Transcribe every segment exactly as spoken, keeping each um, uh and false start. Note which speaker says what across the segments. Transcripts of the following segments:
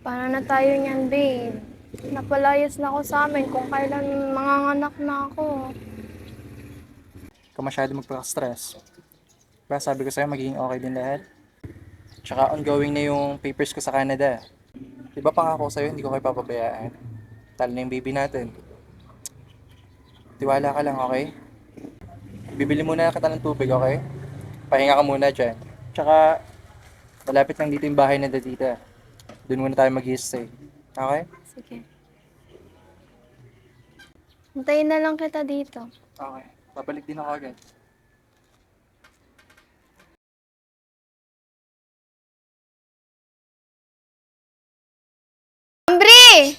Speaker 1: Paano na tayo niyan, babe? Napalayas na ako sa amin kung kailan manganganak na ako.
Speaker 2: Ikaw masyado magpaka-stress. Diba sabi ko sa'yo magiging okay din lahat? Tsaka ongoing na yung papers ko sa Canada. Diba pangako sa'yo hindi ko kayo papabayaan? Talo na yung baby natin. Tiwala ka lang, okay? Bibili muna kita ng tubig, okay? Pahinga ka muna dyan. Tsaka malapit lang dito yung bahay na dadita. Doon muna tayo mag-stay. Okay?
Speaker 1: Sige. Hintayin na lang kita dito.
Speaker 2: Okay. Babalik din ako agad.
Speaker 1: Ambri!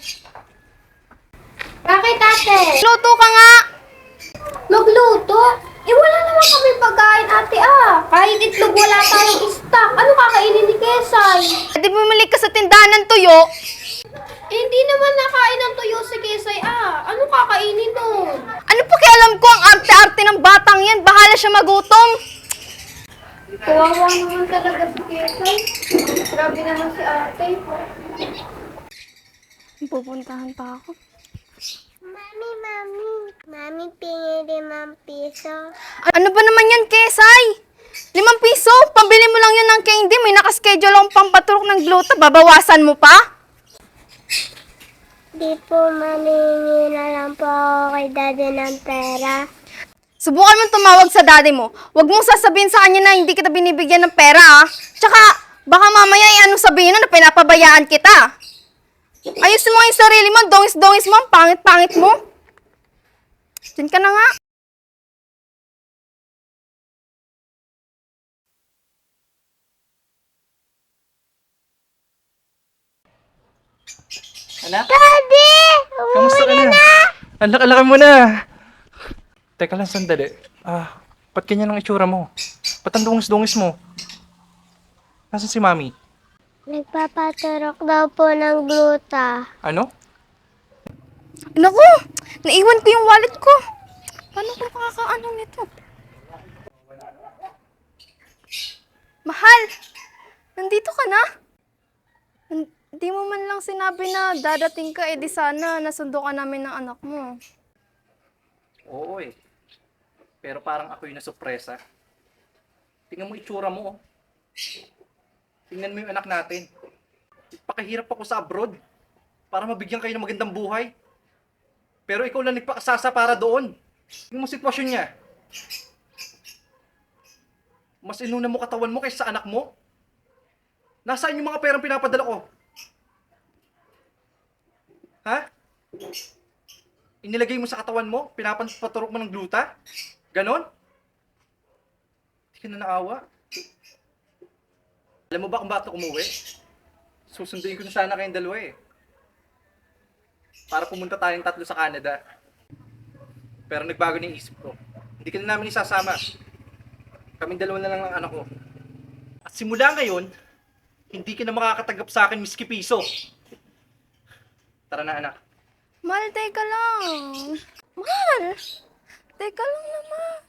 Speaker 3: Bakit ate?
Speaker 1: Luto ka nga!
Speaker 3: Magluto? Eh wala naman kami pagkain ate ah. Kahit itlog wala tayong stock. Ano kakainin ni Kesay?
Speaker 1: Di bumili ka sa tindahan ng tuyo.
Speaker 3: Eh hindi naman nakain ng tuyo si Kesay ah. Ano kakainin nun?
Speaker 1: Ano pa alam ko ang arte-arte ng batang yan? Bahala siya magutom.
Speaker 3: Kawawa naman talaga si Kesay. Grabe naman si ate.
Speaker 1: Pupuntahan pa ako.
Speaker 3: Mami, mami. Mami, pingi limang piso.
Speaker 1: Ano ba naman yan, Kesay? Limang piso? Pambili mo lang yun ng candy. May nakaschedule akong pampaturok ng gluta. Babawasan mo pa?
Speaker 3: Di po maningi na lang po ako kay daddy ng pera.
Speaker 1: Subukan mo tumawag sa daddy mo. Huwag mong sasabihin sa kanya na hindi kita binibigyan ng pera, ah. Tsaka, baka mamaya ay ano sabihin na na pinapabayaan kita. Ayusin mo yung sarili mo. Dongis-dongis mo. Ang pangit-pangit mo. Diyan ka na nga.
Speaker 2: Anak?
Speaker 3: Daddy!
Speaker 2: Kamusta ka na? Ang laki-laki mo na. Teka lang, sandali. Ah, ba't ganyan ang itsura mo? Ba't ang dungis-dungis mo? Nasaan si Mami?
Speaker 3: Nagpapaturok daw po ng gluta.
Speaker 2: Ano?
Speaker 1: Naku! Naiwan ko yung wallet ko. Paano ko makakaano nito? Mahal! Nandito ka na? Hindi mo man lang sinabi na dadating ka, eh di sana nasundo ka namin ng anak mo.
Speaker 2: Oo eh. Pero parang ako yung nasurpresa. Tingnan mo itsura mo oh. Tingnan mo yung anak natin. Pakahirap ako sa abroad para mabigyan kayo ng magandang buhay. Pero ikaw lang nagpakasasa para doon. Tingnan mo sitwasyon niya. Mas inuna mo katawan mo kaysa sa anak mo. Nasaan yung mga perang pinapadala ko? Ha? Inilagay mo sa katawan mo? Pinapaturok mo ng gluta? Ganon? Hindi ka na naawa. Alam mo ba kung bakit ako umuwi? Susunduin ko na sana kayong dalawa eh. Para pumunta tayong tatlo sa Canada. Pero nagbago na yung isip ko. Hindi ka na namin isasama. Kaming dalawa na lang ng anak ko. At simula ngayon, hindi ka na makakatanggap sa akin miski piso. Tara na anak.
Speaker 1: Mahal, teka lang. Mahal! Teka lang naman.